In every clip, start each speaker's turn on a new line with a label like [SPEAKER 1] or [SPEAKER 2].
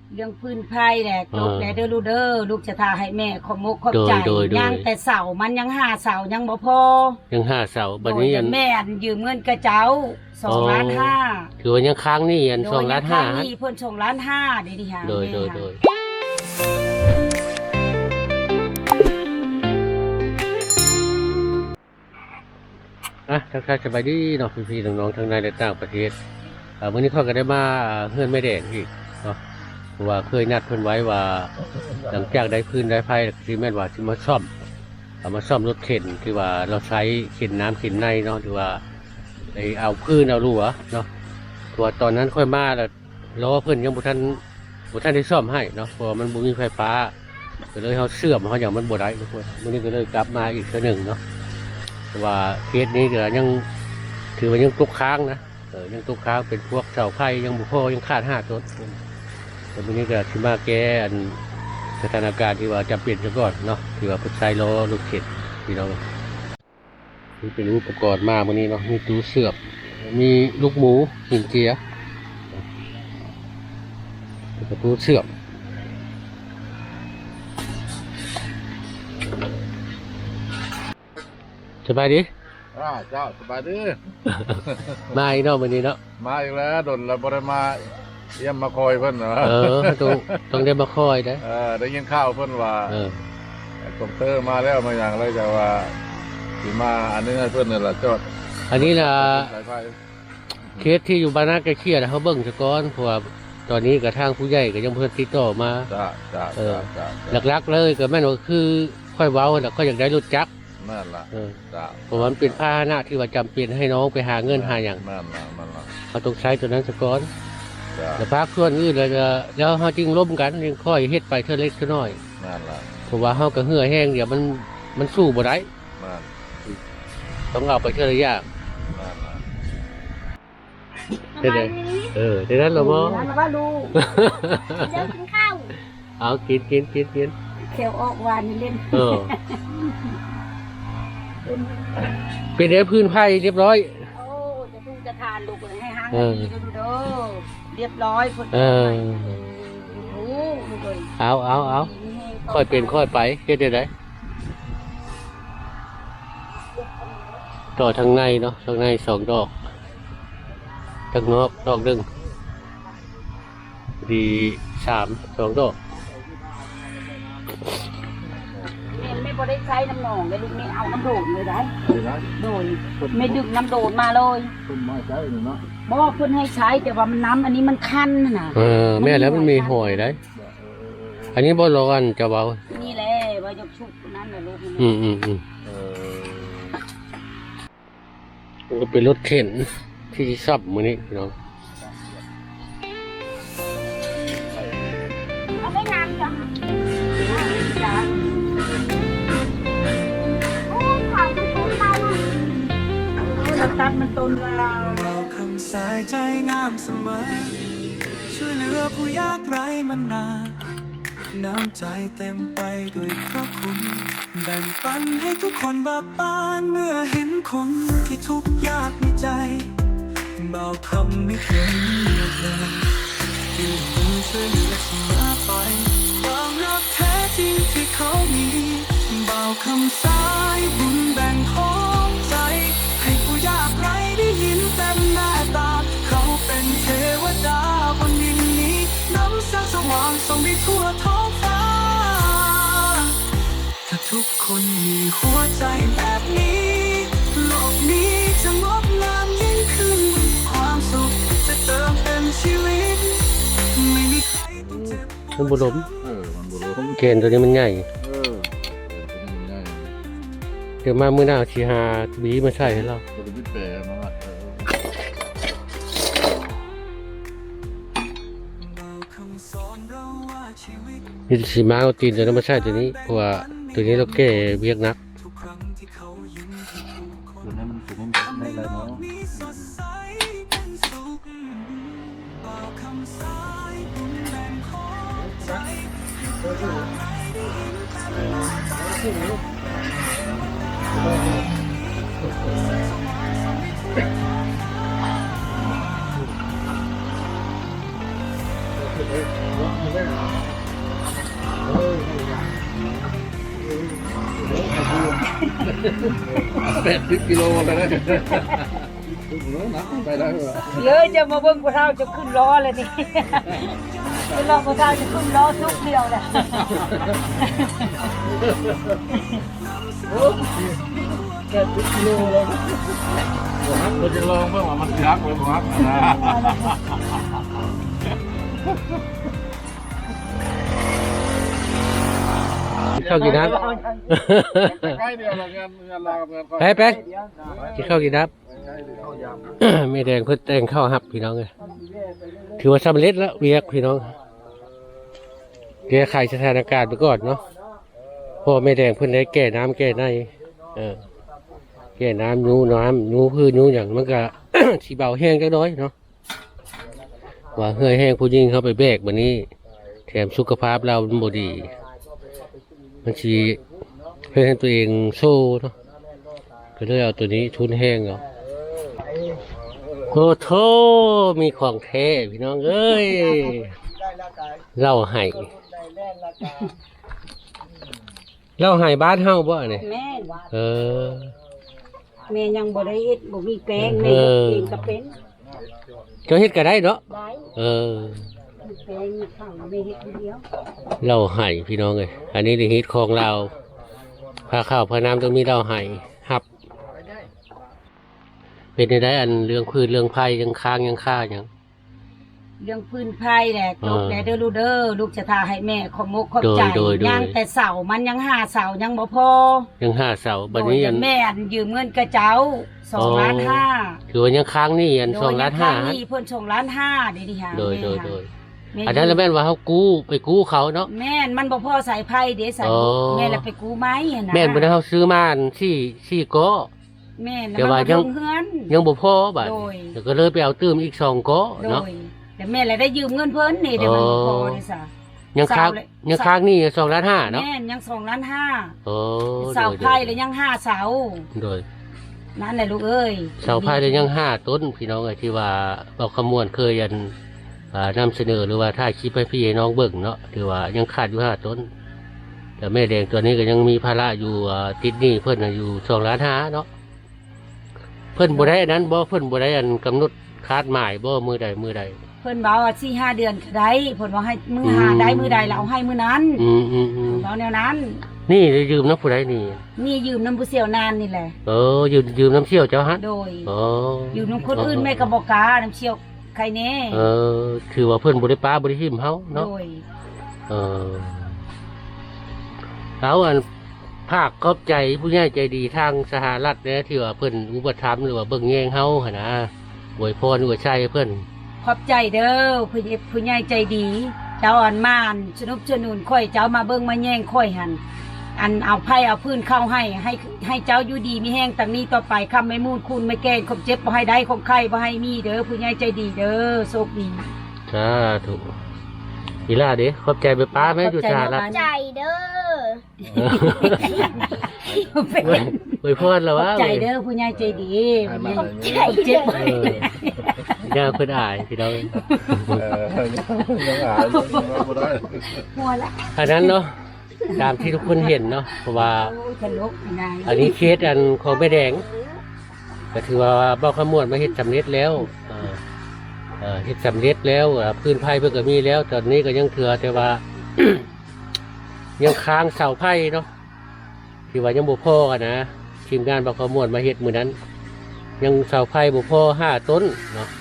[SPEAKER 1] เรื่องพื้นไผ่แหละจบแล้วเด้อลูกเด้อลูกจะทาให้แม่ขอบมกขอบใจยังแต่เสามันยัง5 เสายังบ่พอ
[SPEAKER 2] ยัง5 เสาบัดนี้
[SPEAKER 1] แม่ยืมเงินกระเจ้า2.5 ล้าน
[SPEAKER 2] คือว่ายังค้างนี่อัน2.5 ล้าน
[SPEAKER 1] นี่เพิ่น2.5 ล้านเดี๋ยวนี้หา
[SPEAKER 2] โดยทักทายสบายดีเนาะพี่ๆน้องๆทั้งในและต่างประเทศวันนี้เขาก็ได้มาเฮือนแม่แดงอีกเนาะเพราะว่าเคยนัดเพิ่นไว้ว่าหลังจากได้พื้นได้ไฟที่แม่นว่าสิมาซ่อมมาซ่อมรถเข็นที่ว่าเราใช้เข็นน้ำเข็นในเนาะที่ว่าไอเอาพื้นเอารั่วเนาะตัวตอนนั้นค่อยมาแล้วรอเพิ่นยังบ่ทันได้ซ่อมให้เนาะเพราะมันบ่มีไฟฟ้าก็เลยเฮาเสื่อมเฮาอย่างมันบ่ได้ทุกคนมื้อนี้ก็เลยกลับมาอีกเทื่อนึงเนาะเพราะว่าเคสนี้ก็ยังถือว่ายังตกค้างนะยังตกค้างเป็นพวกเสาไฟยังบุพอยังขาด5 ต้นแต่วันนี้ก็ที่มาแก้สถานการณ์ที่ว่าจำเป็นซะก่อนเนาะที่ว่าพุทธไซโลลูกเข็ดพี่น้องนี่เป็นอุปกรณ์มาวันนี้เนาะมีตู้เสือบมีลูกหมูหินเจียแล้วก็ตู้เสือบสบายดี
[SPEAKER 3] เจ้าสบายดี
[SPEAKER 2] มาอีกเนาะวันนี้เนาะ
[SPEAKER 3] มาอีกแล้วดนแล้วบ่ได้มาเยี่ยมมาคอยเพิ่นเหรอ
[SPEAKER 2] ต้องได้มาคอยนะ
[SPEAKER 3] ได้ยินข่าวเพิ่นว่าคอมเตอร์มาแล้วมาอย่างไรจะว่าสิมาอันนี้ให้เพิ่นนี่ล่ะจอด
[SPEAKER 2] อันนี้ล่ะเคสที่อยู่บ้านนาใกล้เคียงเขาเบิ่งซะก่อนเพราะว่าตอนนี้กับทางผู้ใหญ่ก็ยังเพิ่นติดต่อมาหลักๆเลยก็แม่นว่าคือค่อยเว้าแล้วก็อยากได้รถจักร
[SPEAKER 3] นั่นล่ะ
[SPEAKER 2] เพราะมันเป็นพาหนะที่ว่าจำเป็นให้น้องไปหาเงินหาอย่าง
[SPEAKER 3] นั่นล่ะ
[SPEAKER 2] เขาต้องใช้ตัวนั้นซะก่อนแต่พักส่วนอื่นแล้วเขาจึงร่วมกันยังค่อยเฮ็ดไปเท่าเล็กเท่าน้อย
[SPEAKER 3] นั่นล่ะ
[SPEAKER 2] เพราะว่าเขาก็เหื่อแห้งเดี๋ยวมันสู้บ่ได้ต้องเอาไปเท่าระยะเดี๋ยวเดี๋ยวนั้นเราบ่
[SPEAKER 1] แล้วว่าลูกเดี๋ยวกินข้าว
[SPEAKER 2] เอากิน
[SPEAKER 1] เขียวออกหวานเล่น
[SPEAKER 2] เป็นได้พื้นไผ่เรียบร้อย
[SPEAKER 1] โอ้จะทุ่งจะทานลูกให้หางดีดูเรียบร้อยคน
[SPEAKER 2] เอาค่อยเป็นค่อยไปเฮ็ดได้ต่อทางในเนาะทางใน2 ดอกทางนอกดอกนึงดี2 ดอก
[SPEAKER 1] ไม่พอได้ใช้น้ำหนองเลยลูกไม่เอาน้ำโดดเลยได้โดยไม่ดึงน้ำโดดมาเลย
[SPEAKER 3] คุณไม่ใช้เนาะ
[SPEAKER 1] บอกคุณให้ใช้แต่ว่ามันน้ำอันนี้มันคันนะ
[SPEAKER 2] แม่แล้วมันมีหอยได้อันนี้บ่ร้อนจะเบา
[SPEAKER 1] นี่แหละว่ายกชุบนั่นแหละลูก
[SPEAKER 2] ก็เป็นรถเข็นที่ซับมื้อนี้พี่น้อง
[SPEAKER 1] เอาไม่งามจังตัดมันต้นเรา
[SPEAKER 4] คำสายใจงามเสมอช่วยเหลือผู้ยากไร้มานานน้ำใจเต็มไปด้วยพระคุณแบ่งปันให้ทุกคนบาปานเมื่อเห็นคนที่ทุกข์ยากในใจเบาคำไม่เคยเลือกเลยอยู่มือช่วยเหลือเสมอไปความรักแท้จริงที่เขามีเบาคำสายบุญแบ่งของใจให้ผู้ยากไร้ได้ยินเต็มหน้าตาเขาเป็นเทวดาบนดินนี้น้ำแสงสว่างส่องไปทั่วท้องฟ้าถ้าทุกคนมีหัวใจแบบนี้โลกนี้จะงดงามยิ่งขึ้นความสุขจะเติมเต็มชีวิตไม่มีใครต้องเจ็บปวด
[SPEAKER 2] มันบุหลมเกณฑ์ตัวนี้มันใหญ่เดี๋ยวมามื้อหน้าสิหาบีมาใส่ให้เรานี่สิมาเอาตีนตัวนั้นมาใส่ตัวนี้เพราะว่าตัวนี้เราแก้เวียกนัก
[SPEAKER 3] ตัวนี้มันได้แล้วเนาะ 80 กิโลเลยนะไปได้เหรอ
[SPEAKER 1] เยอะจะมาเบิ่งพวกเราจะขึ้นล้อเลยนี่เวลาพวกเราจะขึ้นล้อทุกเดียวแหละ
[SPEAKER 3] 80 กิโลเลยเราจะลองเพื่อว่ามันยักษ์เลยครับนะ
[SPEAKER 2] ข้าวกินน้
[SPEAKER 3] ใกล้เดียวงานลาวกับงาน
[SPEAKER 2] ำไปกินข้าวกินน้ำ ไม่แดงเพิ่นแต่งข้าวหับพี่น้องเลยถือว่าสำเร็จแล้วเวียกพี่น้องแก้ไขสถานการณ์ไปก่อนเนาะเพราะไม่แดงเพิ่นได้แก้น้ำแก้ในแก้น้ำยูพืชยูอย่างมันก็ สีเบาแห้งจักหน้อยเนาะว่าเหื่อยแห้งผู้ยิ่งเข้าไปแบกวันนี้แถมสุขภาพเรามันบ่ดีมันชีเพื่อให้ตัวเองโซ่เนาะก็เลยเอาตัวนี้ทุนแห้งเนาะโอ้โธ่มีของแท้พี่น้องเอ้ยเล่าไห้เล่าไห้บ้านเฮาบ่เนี่ย
[SPEAKER 1] แม่
[SPEAKER 2] แ
[SPEAKER 1] แม่ยังบ่ได้เฮ็ดบ่มีแปลงแม่เฮ็ดเองก็เป็น
[SPEAKER 2] เจ้าเฮ็ดก็ได้เนาะ
[SPEAKER 1] ได้ มีแปลงมีข้าวแม่เฮ็ดคนเดียว
[SPEAKER 2] เล่าไห้พี่น้องเอ้ยอันนี้ได้ฮิตของเราพาข้าวพาน้ำต้องมีเล่าไห้หับเป็นได้อันเรื่องพืชเรื่องไผ่ยังค้างยังค่ายัง
[SPEAKER 1] เรื่องพื้นไผ่แหละจบแล้วเด้อลูกจะทาให้แม่ขอบมกขอบใจ
[SPEAKER 2] โดย
[SPEAKER 1] ยังแต่เสามันยังหาเสายังบ่พอ
[SPEAKER 2] ยัง5 เสาบัดนี้อัน
[SPEAKER 1] แม่อันยืมเงินกระเจ้า2.5 ล้าน
[SPEAKER 2] คือว่ายังค้างนี่อัน2.5 ล้าน
[SPEAKER 1] นี่เพิ่น2.5 ล้านเดี๋ยวนี้หา
[SPEAKER 2] โดย
[SPEAKER 1] แม่
[SPEAKER 2] อันนั้นแล้วแม่นว่าเขาไปกู้เขาเนาะ
[SPEAKER 1] แม่นมันบ่พอสายไผ่เด้สาย
[SPEAKER 2] อ๋อ
[SPEAKER 1] แม่ละไปกู้ไม้หั่นนะ
[SPEAKER 2] แม่นบ่ได้เขาซื้อมาอันที่ก็
[SPEAKER 1] แม่น
[SPEAKER 2] แต่ว่า
[SPEAKER 1] มันบ่
[SPEAKER 2] ยัง
[SPEAKER 1] ลงเฮือน
[SPEAKER 2] ยังบ่พอบัด
[SPEAKER 1] โดย
[SPEAKER 2] แล้วก็เลยไปเอาตื้มอีก2ก็
[SPEAKER 1] โด
[SPEAKER 2] เนาะ
[SPEAKER 1] ยแต่แม่ละได้ยืมเงินเพิ่นนี่เดี๋ยวมันบ่พอเด้ซะ
[SPEAKER 2] ยังค้าง
[SPEAKER 1] เสาเลย
[SPEAKER 2] ยังค้างนี่2.5 ล้านเนาะ
[SPEAKER 1] แม่นยัง2.5 ล้าน
[SPEAKER 2] โอ้
[SPEAKER 1] เสาไผ่แล้วยัง5 เสา
[SPEAKER 2] โดย
[SPEAKER 1] นั่นแหละลูกเอ้ย
[SPEAKER 2] เสาไผ่เลยยัง5 ต้นพี่น้องเอ้ยที่ว่าเราขมวณเคยนนำเสนอหรือว่าถ่ายคลิปให้พี่น้องเบิ่งเนาะถือว่ายังขาดอยู่5 ต้น แต่แม่แดงตัวนี้ก็ยังมีภาระอยู่ติดหนี้เพิ่นน่ะอยู่2.5 ล้านเนาะเพิ่นบ่ได้อันนั้นบ่เพิ่นบ่ได้อันกำหนดคาดหมายบ่มือใด
[SPEAKER 1] เพิ่นบอกว่า4-5 เดือนก็ได้เพิ่นว่าให้มื้อหาได้มื้อใดแล้วเอาให้มื้อนั้น
[SPEAKER 2] อืม
[SPEAKER 1] เอาแนวนั้น
[SPEAKER 2] นี่ได้ยืมน้ำผู้ใดนี่
[SPEAKER 1] นี่ยืมน้ำผู้เสี่ยวนานนี่แหละ
[SPEAKER 2] ยืมน้ำเชี่ยวเจ้าฮะ
[SPEAKER 1] โดย
[SPEAKER 2] อ๋อ
[SPEAKER 1] ยืมน้ำคนอื่นแม่ก็บอกกล้าน้ำเชี่ยวใครแน่
[SPEAKER 2] ถือว่าเพิ่นบ่ได้ป้าบ่ได้หิมเฮา
[SPEAKER 1] โด
[SPEAKER 2] เนาะ
[SPEAKER 1] ย
[SPEAKER 2] แล้วอันภาคขอบใจผู้ใหญ่ใจดีทางสหรัฐเนี่ยที่ว่าเพิ่นอุปถัมภ์หรือว่าเบิ่งแยงเฮาหั่นนะอวยพรอวยชัยเพิ่น
[SPEAKER 1] ขอบใจเด้อผู้ใหญ่ใจดี เจ้าอันมานสนุบสนุนค่อยเจ้ามาเบิ่งมาแย่งค่อยหันอันเอาไผ่เอาพื้นเข้าให้เจ้าอยู่ดีมีแห้งตั้งนี้ต่อไปคำไม่มูดคุณไม่แกล้งคมเจ็บบ่ให้ได้คมไข้บ่ให้มีเด้อผู้ใหญ่ใจดีเด้อโชคดี
[SPEAKER 2] สาธุอีหล่าเด้ขอบใจไปป้าแม่อยู่สหรัฐ
[SPEAKER 5] ใจเด้อ
[SPEAKER 2] อวยพรแล้ว
[SPEAKER 1] ขอ
[SPEAKER 2] ว่า
[SPEAKER 1] บใจเด้อผู้ใหญ่ใจดีขอบใจเจ็บบ่ให้ได้
[SPEAKER 2] ย่าเพิ่นอายพี่น้อง
[SPEAKER 3] ยังหายังไม่ได้
[SPEAKER 1] หัวละ
[SPEAKER 2] อันนั้นเนาะตามที่ทุกคนเห็นเนาะเพราะว่า
[SPEAKER 1] โอ้ยทะลุนาย
[SPEAKER 2] อันนี้เคสอันของแม่แดงก็ถือว่าเบ้าขมวดมาเฮ็ดสำเร็จแล้วเฮ็ดสำเร็จแล้วพื้นไผ่เพิ่นก็มีแล้ว ตอนนี้ก็ยังเถื่อแต่ว่า ยังค้างเสาไผ่เนาะที่ว่ายังบ่พอกันนะทีมงานเบ้าขมวดมาเฮ็ดมื้อนั้น ยังเสาไผ่บ่พอ5 ต้นเนาะ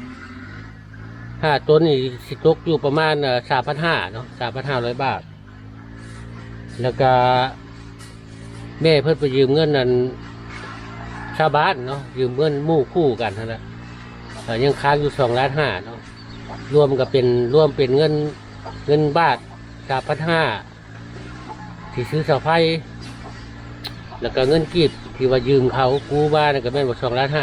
[SPEAKER 2] 5 ต้นนี่สิตกอยู่ประมาณ3,500เนาะ3,500 บาท แล้วก็แม่เพิ่นไปยืมเงินนั้นชาวบ้านเนาะยืมเงินหมู่คู่กันนั่นแหละยังค้างอยู่2.5 ล้านเนาะรวมเป็นเงินบาท3,500ที่ซื้อเสาไฟแล้วก็เงินกีบที่ว่ายืมเขากู้บ้านก็แม่นว่า2.5 ล้าน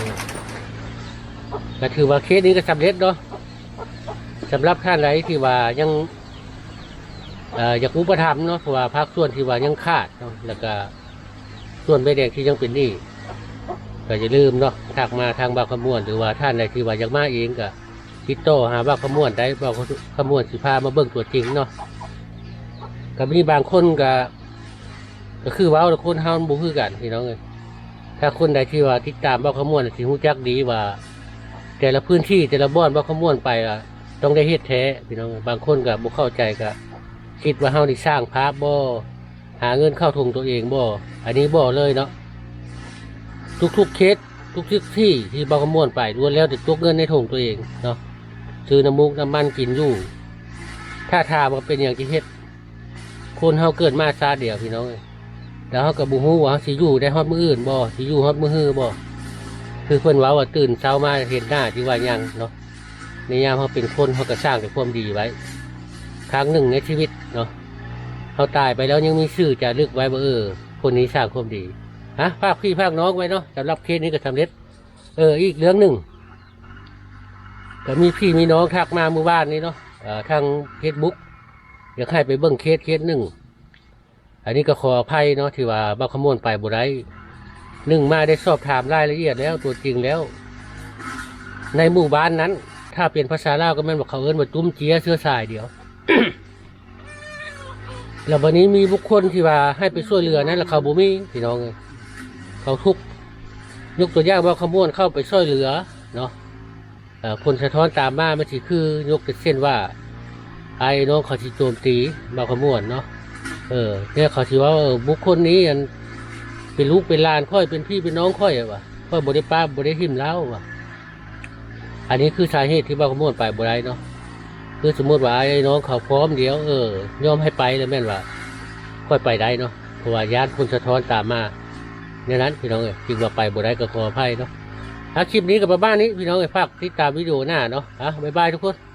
[SPEAKER 2] ก็ถือว่าเคสนี้ก็สำเร็จเนาะสำหรับท่านใดที่ว่ายังอยากอุปถัมภ์เนาะเพราะว่าภาคส่วนที่ว่ายังขาดเนาะแล้วก็ส่วนใบแดงที่ยังเป็นหนี้ก็อย่าลืมเนาะทักมาทางบางขมวนหรือว่าท่านใดที่ว่าอยากมาเองก็ติดต่อหาบ่าวขมวนได้บ่าวขมวนสิพามาเบิ่งตัวจริงเนาะก็มีบางคนก็คือเว้าแต่คนเฮามันบ่คือกันพี่น้องเอ้ยถ้าคนใดที่ว่าติดตามบ่าวขมวนสิฮู้จักดีว่า แต่ละพื้นที่แต่ละบ่อนบ่าวขมวนไปอ่ะต้องได้เฮ็ดแท้พี่น้องบางคนก็บ่เข้าใจก็คิดว่าเฮานี่สร้างภาพบ่หาเงินเข้าถุงตัวเองบ่อันนี้บ่เลยเนาะทุกๆเคสทุกที่ที่บ่าวขมวนไปล้วนแล้วแต่ตกเงินในถุงตัวเองเนาะซื้อน้ำมุกน้ำมันกินอยู่ถ้าถามว่าเป็นอย่างที่เฮ็ดคนเฮาเกิดมาซาเดียวพี่น้องแล้วเฮาก็บ่ฮู้ว่าเฮาสิอยู่ได้ฮอดมื้ออื่นบ่สิอยู่ฮอดมื้อฮื้อบ่คือเพิ่นเว้าว่าตื่นเช้ามาเห็นหน้าที่ว่ายังเนาะในยามเฮาเป็นคนเฮาก็สร้างแต่ความดีไว้ครั้งหนึ่งในชีวิตเนาะเฮาตายไปแล้วยังมีชื่อจะลึกไว้ว่าคนนี้สร้างความดีภาคพี่ภาคน้องไว้เนาะสำหรับเคสนี้ก็สำเร็จอีกเรื่องหนึ่งก็มีพี่มีน้องทักมาเมื่อวานนี้เนาะทาง Facebook อยากให้ไปเบิ่งเคสหนึ่งอันนี้ก็ขออภัยเนาะที่ว่าบ่าวขมวนไปบ่ได้หนึ่งมาได้สอบถามรายละเอียดแล้วตัวจริงแล้วในหมู่บ้านนั้น ถ้าเป็นภาษาลาวก็แม่นว่าเขาเอิ้นว่าจุ้มเจียเสื้อสายเดียว แล้ววันนี้มีบุคคลที่ว่าให้ไปช่วยเหลือนั้นแล้วเขาบ่มีพี่น้องเขาทุกข์ยกตัวอย่างบ่าวขมวนเข้าไปช่วยเหลือเนาะคนสะท้อนตามมามันสิคือยกเส้นว่าไอ้น้องเขาสิโจมตีบ่าวขมวนเนาะเนี่ยเขาสิว่าบุคคลนี้อันเป็นลูกเป็นหลานค่อยเป็นพี่เป็นน้องค่อยว่ะค่อยบ่ได้ป้าบ่ได้หิมแล้วว่ะอันนี้คือสาเหตุที่บ่าวขมวนไปบ่ได้เนาะคือสมมติว่าไอ้น้องเขาพร้อมเดี๋ยวยอมให้ไปแล้วแม่นว่าค่อยไปได้เนาะเพราะว่าญาติคนสะท้อนตามมาเนี่ยนั้นพี่น้องจริงว่าไปบ่ได้ก็ขออภัยเนาะคลิปนี้กับบ้านนี้พี่น้องฝากติดตามวิดีโอหน้าเนาะบ๊ายบายทุกคน